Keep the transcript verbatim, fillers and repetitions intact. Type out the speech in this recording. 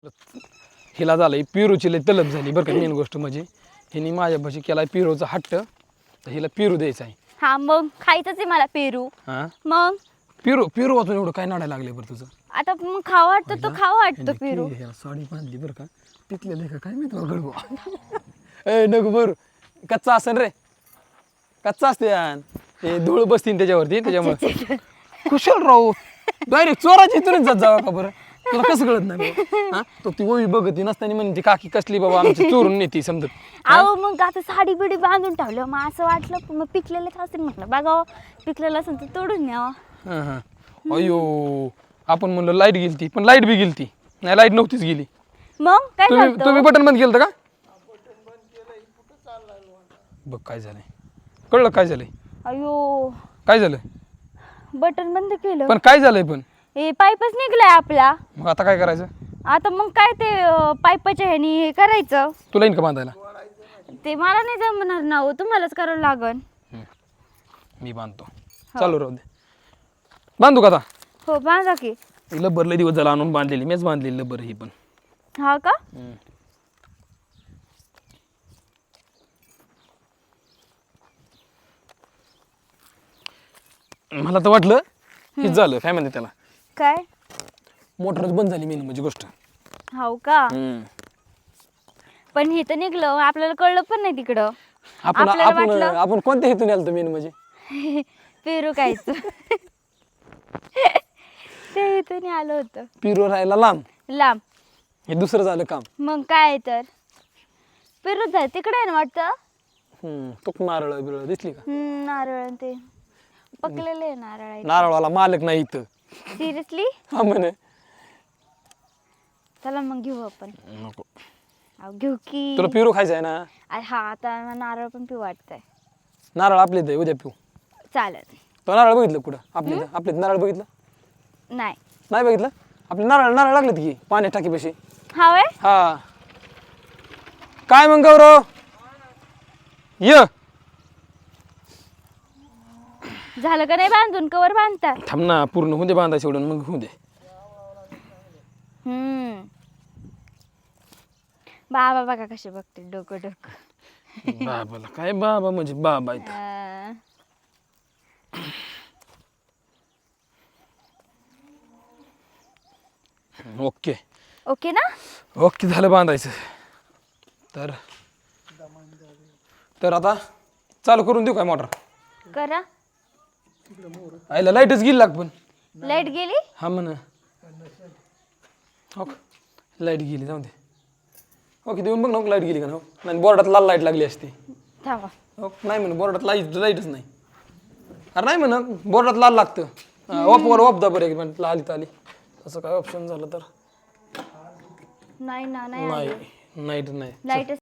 हिला झालंय पिरूची लय तलब झाली बरं का. मेन गोष्ट म्हणजे हिने माझ्यापाशी केलाय पिरूचा हट्ट, तर हिला पिरू द्यायचा आहे. हा मग खायचंच आहे मला पेरू. हा मग पिरू पिरू वाचून एवढं काय नाडायला लागले बरं तुझं? आता मग खावा वाटतं तर खावा वाटतं पेरू. ह्याला साडी बांधली बरं का, पिकलेलं का काय माहिती गडबो. ए नको बरं, कच्चा असन रे, कच्चा असते यान ते धूळ बसतील त्याच्यावरती, त्याच्यामुळे कुशल राहू डायरेक्ट चोराची इथूनच जात जावा का बरं. तुला कसं कळत नाही बाबा? हा तो ती ओवी बघती नसताना म्हणते काकी कसली बाबा आमची चोरून नेती समजत. अहो मग आता साडी बिडी बांधून ठेवलं, मग असं वाटलं मग पिकलेलंच असेल म्हटलं बघावं, पिकलेलं असेल तर तोडून न्यावं. हां हां अयो आपण म्हणलं लाईट गेलती, पण लाईट बी गेलती नाही, लाईट नव्हतीच गेली. मग काय तुम्ही झालं? तुम्ही बटन बंद केलं का? बघ काय झालंय, कळलं काय झालंय? अयो काय झालं? बटन बंद केलं, पण काय झालंय? पण हे पाईपच निघलाय आपला. मग आता काय करायचं? आता मग काय ते अं, पाईपाच्या ह्यानी हे करायचं. तुला येईन का बांधायला? ते मला नाही जमणार ना हो, तुम्हालाच करावं लागन. मी बांधतो, चालू राहू दे. बांधू का आता? हो बांधा की. लब्बर लय दिवस झाला आणून बांधलेली, मीच बांधलेली लब्बर ही पण. हा का? मला तर वाटलं हेच झालं, काय म्हणते त्याला, काय? मोटरच बंद झाली मेन म्हणजे गोष्ट. हो का? हम्म. पण हे तर निघलं, आपल्याला कळलं पण नाही तिकडं. आपण आपल्याला आपण वाटलं- आपण कोणत्या हेतून आलतो मेन म्हणजे? पेरू खायचं. ते इथून आलं होतं पिरू राहायला लांब, लांब. हे दुसरं झालं काम. मग काय तर पेरू झालं तिकडे आहे ना वाटतं. हम्म तो नारळ बिरळ दिसली का? हम्म, नारळ आणि ते पकलेले आहे नारळ. नारळाला मालक नाही इथं. सिरियसली? हा म्हणे. चला मग घेऊ आपण. नको, अहो, घेऊ की. तुला पिरू खायचं आहे ना? आ, हा आता नारळ पण पिऊ वाटतंय. नारळ आपले इथे उद्या पिऊ. चालेल. तो नारळ बघितलं कुठं? आपल्या इथं आपल्या इथं नारळ बघितलं नाही. नाही? बघितलं आपले नारळ नारळ लागलेत की पाण्यात टाकीपाशी. हा वय. हा काय मग गौरव य झालं का नाही बांधून? कवर बांधता? थांब ना, पूर्ण होऊ दे बांधायचं एवढं, मग होऊ दे. हम्म. बाबा बघा कसे बघते डोकं डोकं. बाबाला काय बाबा म्हणजे बाबा इथं. अं, ओके ओके ना? ओके झालं बांधायचं. तर तर आता चालू करून देऊ काय मोटर? करा. आईला लाईटच गेली लाग पण. लाईट गेली? हा म्हणा. हो लाईट गेली, जाऊ दे. ओके देऊन बघ ना, लाईट गेली का ना? नाही बोर्डात लाल लाईट लागली असती. थांबा. हो नाही म्हणून बोर्डात लाईट लाईटच नाही. अरे नाही म्हणा, बोर्डात लाल लागतं. ऑफ वर ऑफ दा बरं एक मिनिट, आली तर आली. असं काय ऑप्शन झालं तर नाही ना, नाही नाही आली. नाईट नाही. लाईट